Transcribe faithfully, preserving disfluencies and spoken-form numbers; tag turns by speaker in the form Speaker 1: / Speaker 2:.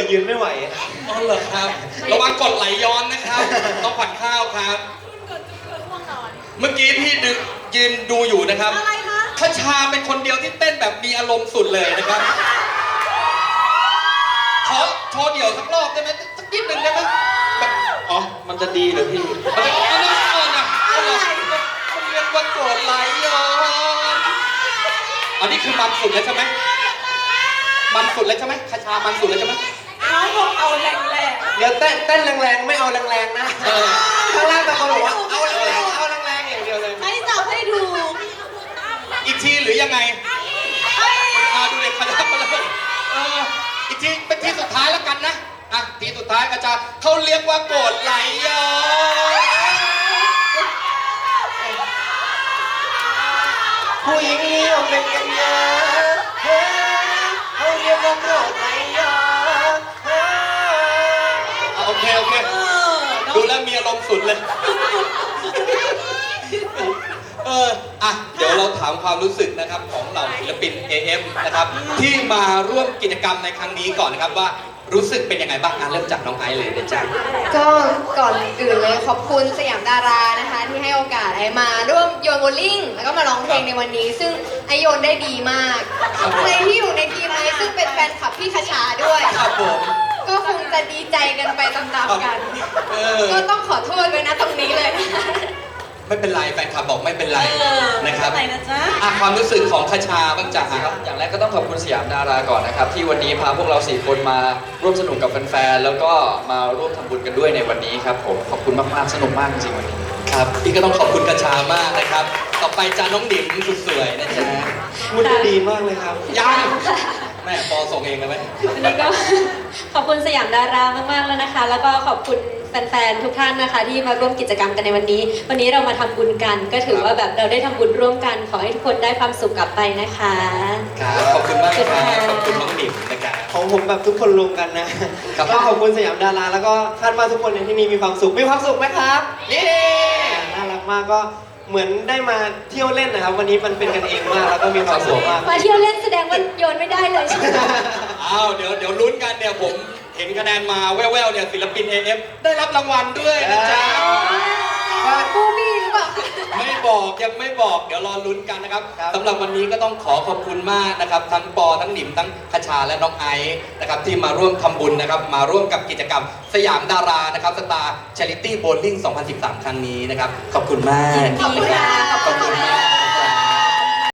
Speaker 1: ยืนไม่ไหว
Speaker 2: อ๋อเหรอครับระวังกดไหลย้อนนะครับต้องผัดข้าวครับเมื่อกี้พี่ดึกยืนดูอยู่นะครับ
Speaker 3: อะไรคะ
Speaker 2: คชาเป็นคนเดียวที่เต้นแบบมีอารมณ์สุดเลยนะครับขอโชว์เดี่ยวสักรอบได้ไหมสักนิดหนึ่งได้ไหมแบบอ๋อมันจะดีเหรอพี่มันจะเอาน้ำก่อนนะเอาเหรอมันเรียกว่าโกรธไหลย้อนอันนี้คือมันสุดแล้วใช่ไหมมันสุดแล้วใช่ไหมคชามันสุดแล้วใช่ไหม
Speaker 3: น้องบอกเอาแรงแรง
Speaker 1: เดี๋ยวเต้นเต้นแรงๆไม่เอาแรงๆนะข้างล่างแต่คนบอกว่าเอาแรงๆเอาแรงๆอย่างเดียวเลย
Speaker 3: ให้จับให้ดู
Speaker 2: อีกทีหรือยังไงอ่าดูเด็กคณะมาเลยเอออีกทีเป็นทีสุดท้ายแล้วกันนะอ่ะทีสุดท้ายก็จะเขาเรียกว่าโกรธไหลย้อน
Speaker 1: ผู้หญิงนิยมเป็นกันเยอะเขาเรียกว่าโกรธไหลย้อน
Speaker 2: โอเคโอเคดูแล้วมีอารมณ์สุดเลยเอออ่ะเดี๋ยวเราถามความรู้สึกนะครับของเหล่าศิลปิน เอ เอฟ นะครับที่มาร่วมกิจกรรมในครั้งนี้ก่อนนะครับว่ารู้สึกเป็นยังไงบ้างอ่ะเริ่มจากน้องไอซ์เลยนะจ๊ะ
Speaker 4: ก็ก่อนอื่นเลยขอบคุณสยามดารานะคะที่ให้โอกาสไอมาร่วมโยนโบลิ่งแล้วก็มาร้องเพลงในวันนี้ ซึ่งไอโยนได้ดีมากใครที่อยู่ในทีมไอซึ่งเป็นแฟนคลับพี่คชาด้วย
Speaker 2: ครับผม
Speaker 4: ก็คงจะดีใจกันไปตามๆกันก็ต้องขอโทษไว้นะตรงนี้เลย
Speaker 2: ไม่เป็นไรแฟนคลับบอกไม่เป็นไรนะครับ
Speaker 3: อะไรนะจ๊ะ
Speaker 2: อ่ะความรู้สึกของคชาบ้างจ้ะ
Speaker 5: ครับอย่างแรกก็ต้องขอบคุณสยามดาราก่อนนะครับที่วันนี้พาพวกเราสี่คนมาร่วมสนุกกับแฟนๆแล้วก็มาร่วมทำบุญกันด้วยในวันนี้ครับผมขอบคุณมากๆสนุกมากจริงๆวันนี้
Speaker 2: ครับพี่ก็ต้องขอบคุณคชามากนะครับต่อไปจ้าน้องดิ๋มสุดสวยนะจ๊ะ
Speaker 1: พูดดีมากเลยครับ
Speaker 2: ยังแม่ปอส่งเองเลยไหม
Speaker 4: วันนี้ก็ขอบคุณสยามดารามากๆแล้วนะคะแล้วก็ขอบคุณแฟนๆทุกท่านนะคะที่มาร่วมกิจกรรมกันในวันนี้วันนี้เรามาทำบุญกันก็ถือว่าแบบเราได้ทำบุญร่วมกันขอให้ทุกคนได้ความสุขกลับไปนะคะ
Speaker 2: ครับขอบคุณมากครับขอบคุณน้องดิ๋มนะครับ
Speaker 1: ของผมแบบทุกคนรวมกันนะก็ขอบคุณสยามดาราแล้วก็คาดว่าทุกคนในที่นี้มีความสุขมีความสุขไหมครับ
Speaker 2: นี่
Speaker 1: น่ารักมากก็เหมือนได้มาเที่ยวเล่นนะครับวันนี้มันเป็นกันเองมากแล้วก็มีความสุขมาก
Speaker 4: มาเที่ยวเล่นแสดงว่าโยนไม่ได้เลยใช่ไหม
Speaker 2: อ้าวเดี๋ยวเดี๋ยวลุ้นกันเนี่ยผมเห็นคะแนนมาแว่วๆเนี่ยศิลปิน เอ เอฟ ได้รับรางวัลด้วยนะจ๊ะ
Speaker 4: บูบี้หรือเปล่า
Speaker 2: ไม่บอกยังไม่บอกเดี๋ยวรอลุ้นกันนะครับสำหรับวันนี้ก็ต้องขอขอบคุณมากนะครับทั้งปอทั้งหนิมทั้งคชาและน้องไอซ์นะครับที่มาร่วมทำบุญนะครับมาร่วมกับกิจกรรมสยามดารานะครับสตาร์ชาริตี้โบว์ลิ่งสองพันสิบสามครั้งนี้นะครับขอบคุณมาก
Speaker 4: ขอบคุณค่ะ
Speaker 2: ขอบคุณมาก